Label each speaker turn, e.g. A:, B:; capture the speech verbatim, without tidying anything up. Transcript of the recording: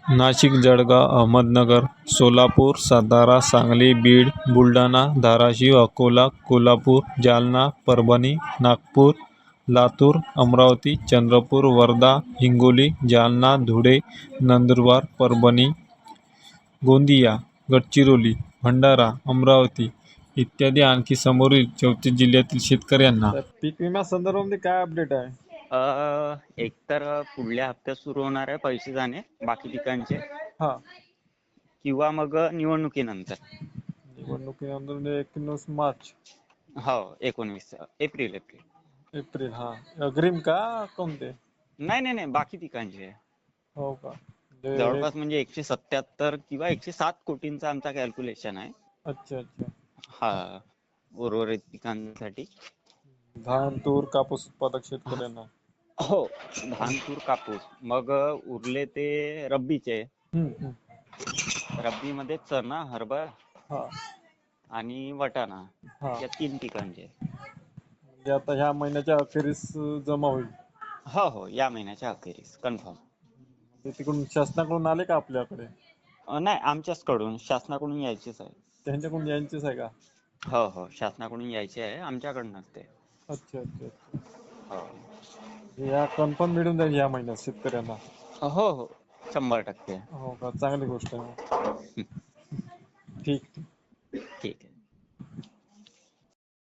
A: नाशिक, जळगाव, अहमदनगर, सोलापूर, सातारा, सांगली, बीड, बुलढाणा, धाराशिव, अकोला, कोल्हापूर, जालना, परभणी, नागपूर, लातूर, अमरावती, चंद्रपूर, वर्धा, हिंगोली, जालना, धुळे, नंदुरबार, परभणी, गोंदिया, गडचिरोली, भंडारा, अमरावती इत्यादी आणखी समोरील चौतीस जिल्ह्यातील शेतकऱ्यांना
B: तर पीक विमा संदर्भामध्ये काय अपडेट आहे?
C: अ, एक तर पुढल्या हप्त्यात सुरू होणार आहे पैसे जाणे बाकी पिकांचे,
B: हा,
C: किंवा मग निवडणुकीनंतर.
B: निवडणुकीनंतर म्हणजे एकोणीस मार्च,
C: हो, एकोणवीस एप्रिल एप्रिल
B: एप्रिल. हा, अग्रिम का कोणते?
C: नाही नाही नाही बाकी पिकांचे.
B: हो का? म्हणजे हे-
C: जवळपास म्हणजे एकशे सत्याहत्तर किंवा एकशे सात कोटींचा आमचा कॅल्क्युलेशन आहे.
B: अच्छा अच्छा.
C: हा, उर्वरित पिकांसाठी.
B: धान, तूर, कापूस उत्पादक शेतकऱ्यांना.
C: हो, धान, तूर, कापूस. मग उरले ते रब्बीचे.
B: हम्म, हम्म.
C: रब्बी मध्ये चणा, हरभरा
B: हा
C: आणि वाटाणा
B: हा.
C: या तीन पिकांचे.
B: म्हणजे आता ह्या महिन्याच्या अखेरीस जमा होईल.
C: हो हो, या महिन्याच्या अखेरीस कन्फर्म.
B: ते तिकडून शासनाकडून आले का आपल्याकडे?
C: नाही, आमच्याचकडून शासनाकडून यायचेच आहे.
B: त्यांच्याकडून यांचेच आहे का?
C: हो हो, शासनाकडून यायचे आहे, आमच्याकडूनच ते.
B: अच्छा अच्छा अच्छा.
C: हो
B: या कन्फर्म मिळून जाईल या महिन्यात शेतकऱ्यांना.
C: हो हो, शंभर टक्के.
B: हो का? चांगली गोष्ट आहे. ठीक ठीक.